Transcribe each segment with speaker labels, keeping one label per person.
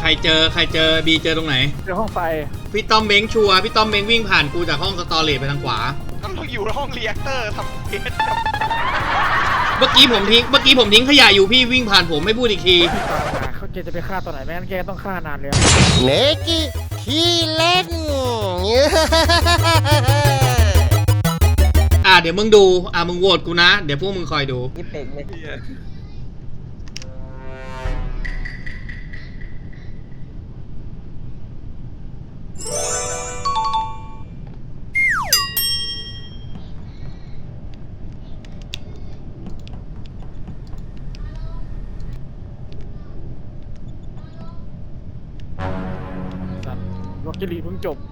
Speaker 1: รบีเจอตรงไหน
Speaker 2: เจอห้องไฟ
Speaker 1: พี่ต้อมเม้งชัวร์พี่ต้อมเม้งวิ่งผ่านกูจากห้องสตอเรจไปทางขวา
Speaker 3: ต้องอยู่ห้องรีแอคเตอร์ทำเพจ
Speaker 1: เมื่อกี้ผมทิ้งขยะอยู่พี่วิ่งผ่านผมไม่พูดอีกที
Speaker 2: เขาแกจะไปฆ่าตอนไหนแม่งั้นแกต้องฆ่านานเลย
Speaker 4: เนกิขี้เล่น
Speaker 1: เดี๋ยวมึงดูมึงโหวตกูนะเดี๋ยวพวกมึงคอยดู
Speaker 4: ยี่เป็กเลย
Speaker 2: ล็อกเกอรี่เพิ่งจบ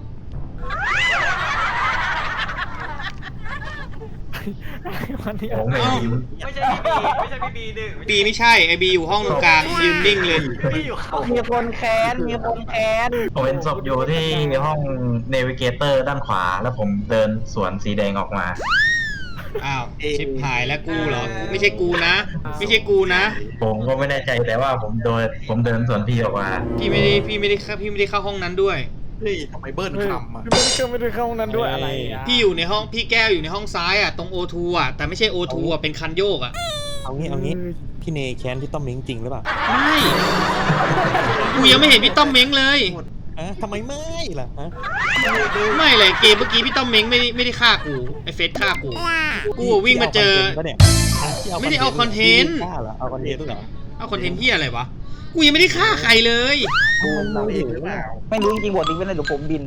Speaker 2: วันนี้
Speaker 3: ไม่ใช่พี่บีหนึ่ง
Speaker 1: บีไม่ใช่ไอบีอยู่ห้องตรงกลางยืนนิ่งเลย
Speaker 4: มีคนแค้น
Speaker 5: ผมเป็นศพอยู่ที่ห้องเนวิเกเตอร์ด้านขวาแล้วผมเดินสวนสีแดงออกมา
Speaker 1: ชิบหายแล้วกูเหรอไม่ใช่กูนะ
Speaker 5: ผมก็ไม่แน่ใจแต่ว่าผมเดินสวนพี่ออกมา
Speaker 1: พี่ไม่ได้เข้าห้องนั้นด้วย
Speaker 3: เฮ้ยทำไมเบิ้ลคำ
Speaker 2: ไม่ได้เข้าห้องนั้นด้วยอะไร
Speaker 1: พี่อยู่ในห้องพี่แก้วอยู่ในห้องซ้ายตรงโอทูแต่ไม่ใช่โอทูเป็นคันโยก
Speaker 6: เอางี้พี่เนแค้นพี่ต้อมเม้งจริงหรือเปล่า
Speaker 1: ไม่กูยังไม่เห็นพี่ต้อมเม้งเลย
Speaker 6: ทำไมไม่ล่ะ
Speaker 1: ไม่เลยเกมเมื่อกี้พี่ต้อมเม้งไม่ได้ฆ่ากูไอเฟสฆ่ากูวิ่งมาเจอไม่ได้เอาคอนเทนต์
Speaker 6: เอาคอนเทนต์เหรอ
Speaker 1: เอาคอนเทนต์ที่อะไรวะกูยังไม่ได้ฆ่าใครเลย
Speaker 4: ไม่รู้จริงๆบทนี้เป็นอะไรหรือผมบิน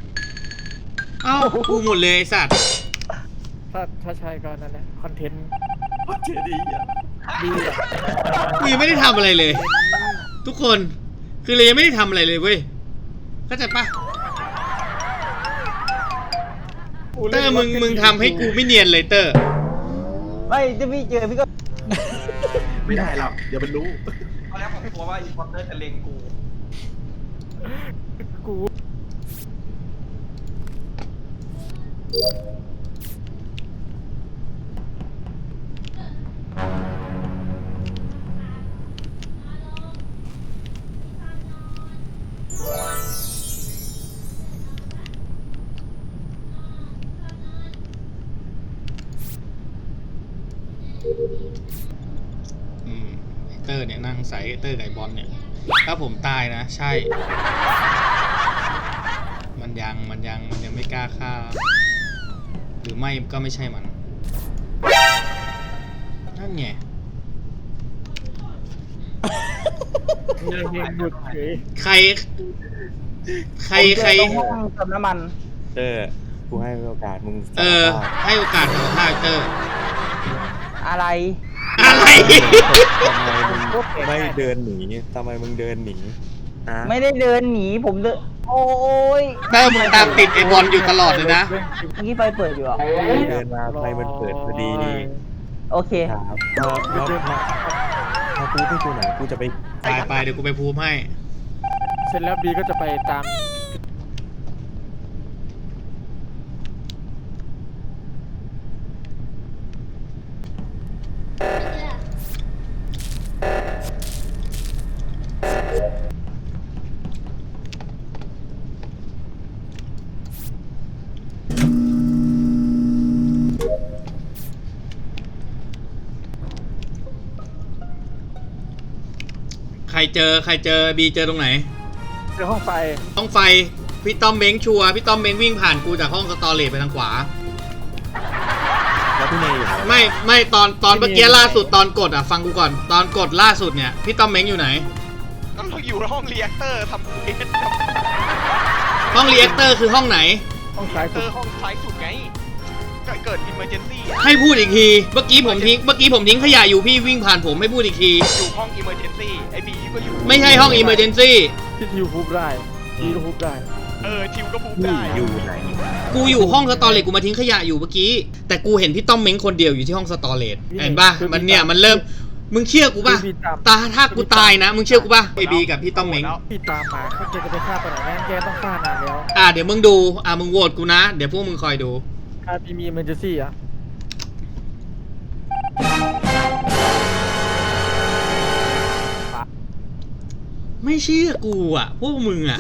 Speaker 1: กูหมดเลยไอ้สัตว์
Speaker 2: ถ้าใช่ก็นั่นแหละคอนเทนต์
Speaker 3: ดี
Speaker 1: กูยังไม่ได้ทำอะไรเลยทุกคนคือเลยยังไม่ได้ทำอะไรเลยเว้ยเข้าใจปะเตอร์มึงทำให้กูไม่เนียนเลยเตอร์
Speaker 4: ไม่จะพี่เจอพี่ก็
Speaker 3: ไม่ได้หรอกเดี๋ยวมันรู้ตอนแรกผมกลัวว่าอีพอร์เตอร์จะเล็งกู
Speaker 1: เตอร์เนี่ยนั่งใส่เตอร์ไก่บอลเนี่ยถ้าผมตายนะใช่มันยังไม่กล้าฆ่าหรือไม่ก็ไม่ใช่มันนั่นไงใคร
Speaker 4: เติมน้ำมัน
Speaker 6: กูให้โอกาสมึง
Speaker 1: ให้โอกาสมึงฆ่าเตอร์
Speaker 4: อะไร
Speaker 6: ทำไมมึงไม่เดินหนีทำไมมึงเดินหนี
Speaker 4: ไม่ได้เดินหนีผมเดินโอ้ย
Speaker 1: เตอร์มึงตามติดไอ้บอลอยู่ตลอดเลยนะ
Speaker 4: เมื่อกี้ไฟเปิดอยู่
Speaker 6: เดินมาไฟมันเปิดพอดี
Speaker 4: โอเค
Speaker 6: ครับมาพูดให้กูหน่อยกูจะ
Speaker 1: ไปเดี๋ยวกูไปพูดให้
Speaker 2: เสร็จแล้วบีก็จะไปตาม
Speaker 1: ใครเจอบีเจอตรงไหน
Speaker 2: เจอห้องไฟ
Speaker 1: พี่ต้อมเม้งชัวร์พี่ต้อมเม้งวิ่งผ่านกูจากห้องสตอเรจไปทางขวา
Speaker 6: แล้วพี่เนยอยู่
Speaker 1: ไม่ตอนเมื่อกี้ล่าสุดตอนกดฟังกูก่อนตอนกดล่าสุดเนี่ยพี่ต้อมเม้งอยู่ไหน
Speaker 3: ต้องอยู่ห้องรีแอคเตอร์ทำเพจ
Speaker 1: ห้องรีแอคเตอร์คือห้องไหน
Speaker 2: ห้องซ้าย
Speaker 3: สุดไงเกิด emergency
Speaker 1: ให้พูดอีกทีเมื่อกี้ผมทิ้งขยะอยู่พี่วิ่งผ่านผมไม่พูดอีกที
Speaker 3: อยู่ห้อง emergency ไอบีก็อยู่
Speaker 1: ไม่ใช่ห้อง emergency
Speaker 2: ที่ทิวพูดได้ทีก็พูดได้
Speaker 3: ทิวก็พูดได้
Speaker 6: อยู่ไหน
Speaker 1: กูอยู่ห้องสตอเรจกูมาทิ้งขยะอยู่เมื่อกี้แต่กูเห็นพี่ต้อมเม้งคนเดียวอยู่ที่ห้องสตอเรจเห็นป่ะมันเริ่มมึงเชื่อกูป่ะถ้ากูตายนะมึงเชื่อกูป่ะไอบีกับพี่ต้อมเม้ง
Speaker 2: พี่ตามมาเขาจะไปฆ่าตอนไหนแม่งั้นแกต้องฆ่านานแล้ว
Speaker 1: เดี๋ยวมึงดูมึงโหวตกูนะเดี๋ยวพวกมึงคอยดู
Speaker 2: พี่มี emergency
Speaker 1: ไไม่เชื่อกูอ่ะพวกมึงอ่ะ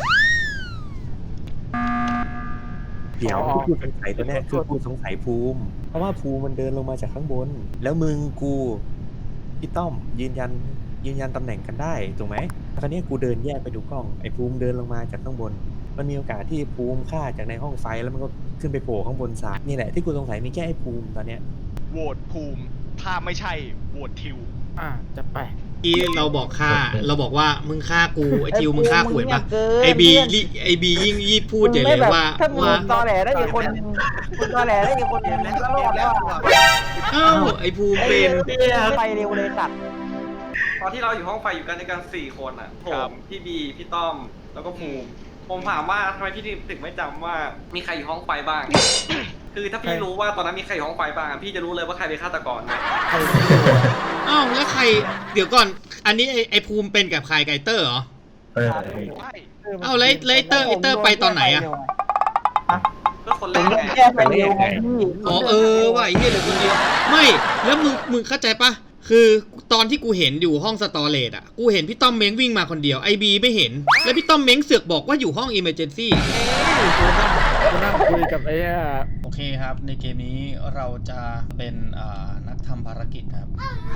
Speaker 6: เดี๋ยวที่กูสงสัยตัวเนี้ยคือกูสงสัยภูมิ เพราะว่าภูมิมันเดินลงมาจากข้างบน แล้วมึงกูพี่ต้อมยืนยันตำแหน่งกันได้ถูกไหมคราวนี้กูเดินแยกไปดูกล้องไอ้ภูมิเดินลงมาจากข้างบน มันมีโอกาสที่ภูมิฆ่าจากในห้องไฟแล้วมันก็ขึ้นไปโผล่ข้างบนซ้ายนี่แหละที่กูสงสัยมีแค่ไอ้ภูมิตอนเนี้ย
Speaker 7: โหวตภูมิ ถ้าไม่ใช่โหวตทิว
Speaker 2: จะไป
Speaker 1: ที่เราบอกฆ่าเราบอกว่ามึงฆ่ากูไอทิวมึงฆ่ากูเห็นปะไอบียิ่งพูดใหญ่เลยว่า
Speaker 4: ถ้ามึงตอแหลได้อีกคนนึงมึงตอแหลได้อีกคนนึงก็รอดแล้ว
Speaker 1: เอ้าไอภูมิเป็น
Speaker 4: ไปเร็วเลยสัตว์
Speaker 3: ตอนที่เราอยู่ห้องไฟอยู่กันในกัน4 คนอ่ะผมพี่บีพี่ต้อมแล้วก็ภูมิผมถามว่าทำไมพี่ถึงไม่จำว่ามีใครอยู่ห้องไฟบ้าง คือถ้าพี่รู้ว่าตอนนั้นมีใครอยู่ห้องไฟบ้างพี่จะรู้เลยว่าใครเป็นฆาตกรนะ
Speaker 1: อ้าวแล้วใครเดี๋ยวก่อนอันนี้ไอภูมิเป็นกับใครไกเตอร์เหรอ
Speaker 7: ใช่
Speaker 1: อ้าวแล้วเตอร์ไปตอนไหนอะ
Speaker 3: ก็คนแร
Speaker 4: ผม
Speaker 3: ก
Speaker 4: โดน
Speaker 3: ไง
Speaker 4: แก้ไปเร็วไงพี่
Speaker 1: อ๋อว่ะไอ้เหี้ยเหลือคนเดียวไม่แล้วมึงเข้าใจปะคือตอนที่กูเห็นอยู่ห้องสตอเรจอ่ะกูเห็นพี่ต้อมเม้งวิ่งมาคนเดียวไอบีไม่เห็นแล้วพี่ต้อมเม้งเสือกบอกว่าอยู่ห้องอิมเมอร์เจนซี่
Speaker 2: กูนั่งคุยกับไอ้
Speaker 1: โอเคครับ ในเกมนี้เราจะเป็นนักทำภารกิจครับ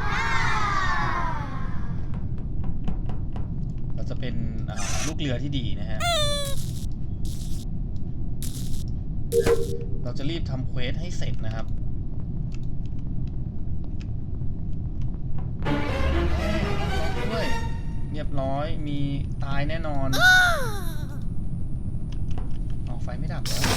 Speaker 1: เราจะเป็นลูกเรือที่ดีนะฮะ เราจะรีบทำเควสให้เสร็จนะครับด้วยเรียบร้อยมีตายแน่นอนเอาไฟไม่ดับแล้ว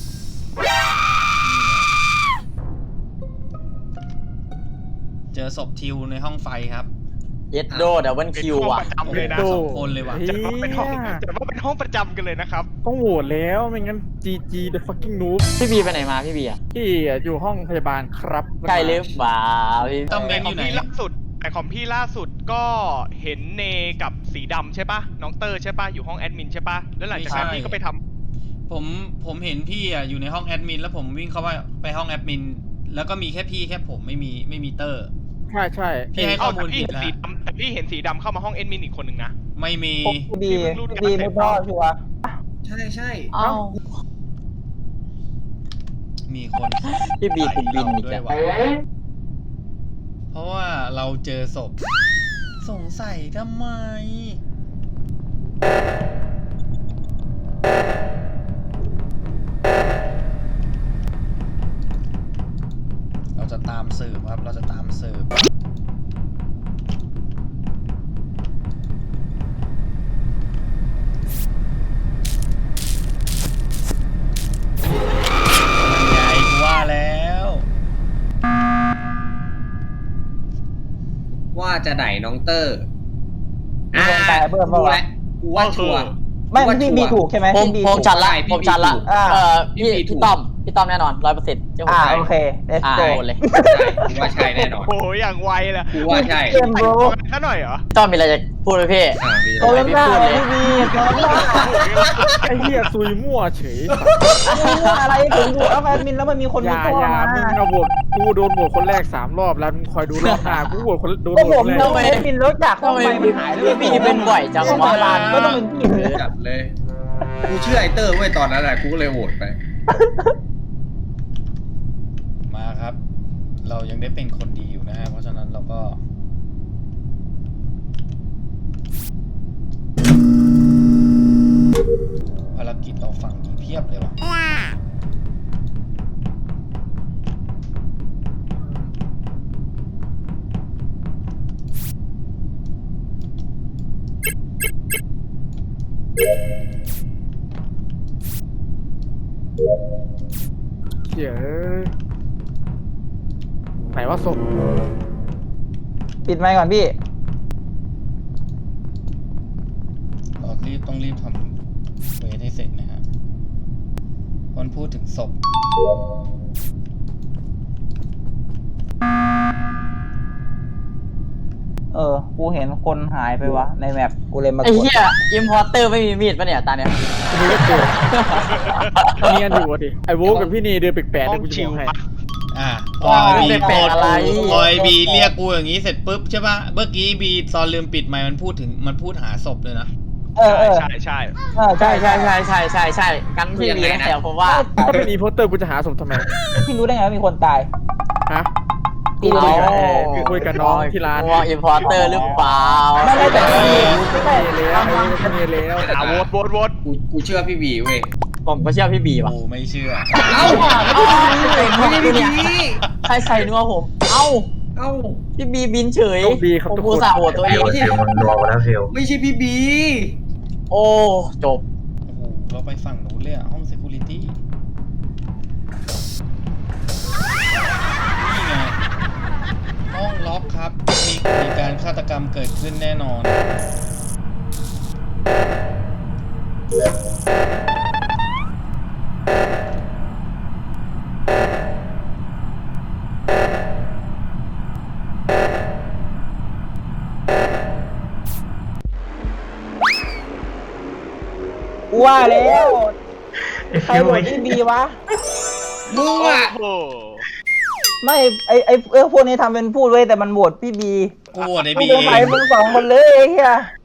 Speaker 1: เจอศพทิวในห้องไฟครับ
Speaker 4: เย็ดโดดับเบิลคิว
Speaker 7: เป็นห้อง
Speaker 4: อ่ะ
Speaker 7: ประจำเลยนะ
Speaker 1: สองคนเลยว่ะ
Speaker 7: แต่ว่าเป็นห้องประจำกันเลยนะครับ
Speaker 2: ต้องโหวตแล้วไม่งั้น GG the fucking noob
Speaker 4: พี่บีไปไหนมาพี่บีอ่ะ
Speaker 2: ที่อยู่ห้องพยาบาลครับ
Speaker 4: ใกล้หรือเปล่าพี่
Speaker 1: ต้อมเม้
Speaker 7: แต่
Speaker 1: ง
Speaker 7: ข
Speaker 1: อ
Speaker 7: อง
Speaker 1: ยู่ไหน
Speaker 7: พี่ล่าสุดแต่ของพี่ล่าสุดก็เห็นเนกับสีดำใช่ปะน้องเตอร์ใช่ปะอยู่ห้องแอดมินใช่ปะแล้วหลังจากนั้นพี่ก็ไปทำ
Speaker 1: ผมเห็นพี่อ่ะอยู่ในห้องแอดมินแล้วผมวิ่งเข้าไปห้องแอดมินแล้วก็มีแค่พี่แค่ผมไม่มีเตอร์
Speaker 2: ใช่
Speaker 1: พี่ให้ข้อมูลผิดนะ
Speaker 7: แต่พี่เห็นสีดำเข้ามาห้องแอดมินอีกคนหนึ่งนะ
Speaker 1: ไม่มี
Speaker 4: บีไม่พอชัวร์
Speaker 3: ใช่
Speaker 4: เอ้า
Speaker 1: มีคน
Speaker 4: พี่บีติดบินอีก
Speaker 1: ด้
Speaker 4: แล้ว
Speaker 1: ยวะเพราะว่าเราเจอศพสงสัยทำไม เราจะตามสืบครับ เราจะตามสืบใหญ่กูว่าแล้ว
Speaker 8: ว่าจะไหนน้องเตอร์
Speaker 4: มีคนตายเบิ่ม
Speaker 8: กู
Speaker 4: ปะวะ
Speaker 8: และกูว่าชัวร์
Speaker 4: ไม่พี่บีถูกใช่ไหมพี่บีผมจัดละ
Speaker 8: ผมจัดละ
Speaker 4: พี่ต้อมแน่นอน 100%เจ้าโอเคlet's go เลย
Speaker 8: กูว่าใช่แน่นอน
Speaker 7: โอ้โหอย่างไวเลย
Speaker 8: กูว่าใช่
Speaker 4: เกมโบร
Speaker 7: แค่หน่อยเหรอ
Speaker 4: ต้อมมีอะไรจะพูดไหมพี่
Speaker 8: มี
Speaker 4: โอ้ยพี่พูดเลยพี่บีโอ้ย
Speaker 2: ไอ้เหี้ยซุยมั่วเฉย
Speaker 4: อะไรผมดูแล้วแอดมินแล้วมันมีคน
Speaker 2: อย่า
Speaker 4: เข้า
Speaker 2: อย่า
Speaker 4: มา
Speaker 2: มึงเอาโหวตกูโดนโหวตคนแรก3 รอบแล้วมึงคอยดูรอบหน้ากูโหวตคนโดน
Speaker 4: ก็
Speaker 2: โหว
Speaker 4: ผ
Speaker 2: ต
Speaker 4: ม
Speaker 2: คนแรก
Speaker 4: ทำไมแอดมินแล้วจากห้องไฟมันหายแล้วพี่บีเป็นบ่อยจังวะก็ต้องเป็นพี่เลย
Speaker 8: จัดเลย กูเชื่อไอเตอร์เว้ยตอนนั้นแหละกูก็เลยโหวตไป
Speaker 1: มาครับ เรายังได้เป็นคนดีอยู่นะฮะ เพราะฉะนั้นเราก็ภารกิจเราฝั่งนี้เพียบเลยว่ะ
Speaker 2: เหี้ยไหนว่าศพ
Speaker 4: ปิดไมค์ก่อนพี่
Speaker 1: เราต้องรีบทำเวทให้เสร็จนะฮะคนพูดถึงศพ
Speaker 4: กูเห็นคนหายไปวะในแมปกูเลยมา
Speaker 9: ไอ้เหี้ยอิมพอร์เตอร์ไม่มีมีดปะเนี่ยตาเนี่ย
Speaker 2: มีก็เจอเนียนอยู่ดิไอ้โวกับพี่นีเดินแปลกๆ
Speaker 7: ห้
Speaker 2: เล
Speaker 7: อย ง
Speaker 2: กูจะ
Speaker 7: ชิ
Speaker 2: บ
Speaker 7: ว
Speaker 2: อกให้
Speaker 7: ปะ
Speaker 1: พอบี
Speaker 9: ไม่
Speaker 1: โก
Speaker 9: เป็น
Speaker 1: รธ
Speaker 9: อะไร
Speaker 1: พอบีเรียกกูอย่างนี้เสร็จปุ๊บใช่ปะเมื่อกี้บีตอนลืมปิดไมค์มันพูดหาศพเลยนะ
Speaker 7: ใช่ใช่
Speaker 4: ใช่ใช่ใช่ใช่ใช่ใช่กันพี่บีนะแต่ผมว่า
Speaker 2: ถ้าเป็นอีโพสเตอร์กูจะหาสมทำไม
Speaker 4: พี่รู้ได้ไงว่ามีคนตาย
Speaker 2: ฮะกูคุยกับคุยกับน้องที่ร้าน
Speaker 9: วอลอินพอร์เตอร์หรือเปล่า
Speaker 4: ไม่ได้แต่
Speaker 2: แล้วแล้ว
Speaker 7: โหวต
Speaker 8: กูเชื่อพี่บีเว้ย
Speaker 9: ผมก็เชื่อพี่บีว่ะ
Speaker 1: กูไม่เชื่อ
Speaker 8: เอ้าไม่ใช่พี่บี
Speaker 9: ใครใส่นัวผม เอ้า
Speaker 8: เอ้า
Speaker 9: พี่บีบินเฉย
Speaker 2: โชคดีครับ
Speaker 9: ผม
Speaker 2: ทุก
Speaker 9: กู
Speaker 2: คน
Speaker 9: สาโหวตตัวเอง
Speaker 5: ฟิลมันรัวมาแล้วฟิล
Speaker 8: ไม่ใช่พี่บี
Speaker 9: โอ้จบ
Speaker 1: โอ้โห เราไปฝั่งนู้นเลยอะห้อง security นี่ไง ห้องล็อกครับ มีการฆาตกรรมเกิดขึ้นแน่นอน
Speaker 4: ว่าแล้ว
Speaker 5: ใครโหวต
Speaker 4: พี่บีวะ
Speaker 8: มึงอ่ะ
Speaker 7: โอ้โห
Speaker 4: ไม่ไอพวกนี้ทำเป็นพูดไว้แต่มันโหวตพี่บี
Speaker 1: กูโหวตไอ้
Speaker 4: ไม่
Speaker 1: บี
Speaker 4: สงสัยมึงสองคนเลยไอ้เหี้ย